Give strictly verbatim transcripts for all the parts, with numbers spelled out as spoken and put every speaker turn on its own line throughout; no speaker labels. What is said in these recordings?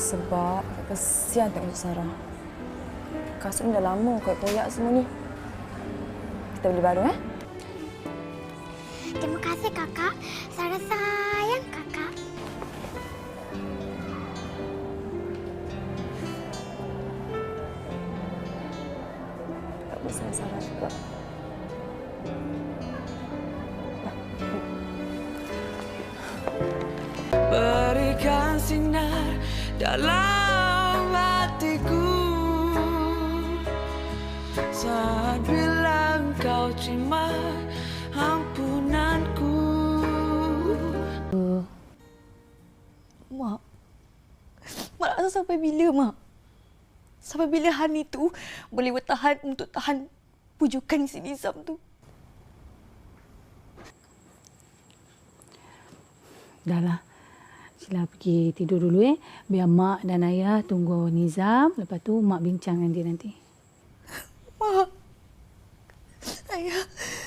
Sebab kesian tengok Sarah. Kasut ni dah lama koyak-koyak semua ni. Kita beli baru, eh?
Terima kasih, Kakak. Sarah sayang Kakak.
Tak besar Sarah juga.
Berikan sinar dalam hatiku saat bilang kau terima ampunanku.
Mak, Mak nak rasa sampai bila, Mak? Sampai bila Hani tu boleh bertahan untuk tahan pujukan si Nizam tu?
Dahlah. Sila pergi tidur dulu eh. Biar Mak dan Ayah tunggu Nizam. Lepas tu Mak bincang dengan dia nanti.
Mak. Ayah.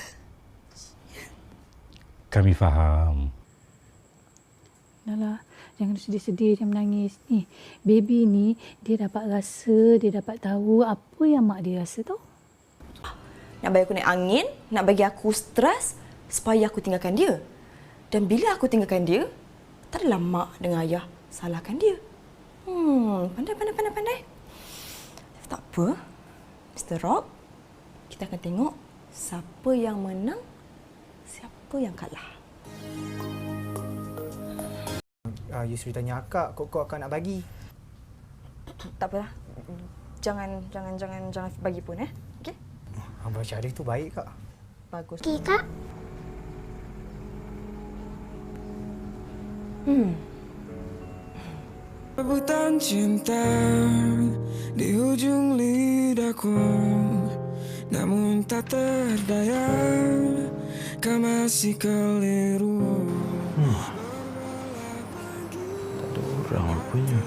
Kami faham.
Dahlah. Jangan sedih-sedih, jangan menangis. Ni, baby ni dia dapat rasa, dia dapat tahu apa yang Mak dia rasa tau.
Nak bagi aku naik angin, nak bagi aku stres supaya aku tinggalkan dia. Dan bila aku tinggalkan dia, tak adalah mak dengan ayah salahkan dia. Hmm, pandai, pandai, pandai, pandai. Tak apa, mister Rock. Kita akan tengok siapa yang menang, siapa yang kalah.
Uh, Yusri tanya akak, kok kau akan nak bagi?
Tak apalah. Jangan, jangan, jangan, jangan bagi pun, eh. Okey?
Abang Syarif tu baik, Kak.
Bagus.
Okey, Kak.
Hmm.
Rebutan cinta di ujung lidahku, namun tak terdaya, kau masih keliru.
Hmm. Tak ada orang rupanya.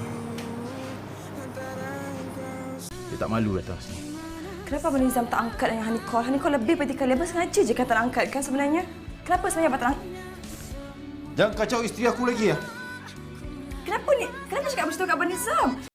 Dia tak malu datang sini.
Kenapa Abang Nizam tak angkat dengan Hani call? Hani call lebih daripada kali. Abang sengaja je kan tak nak angkat kan sebenarnya? Kenapa sebenarnya Abang tak nak?
Jangan kacau isteri aku lagi ya.
Kenapa ni? Kenapa cakap macam tu kat Abang Nizam?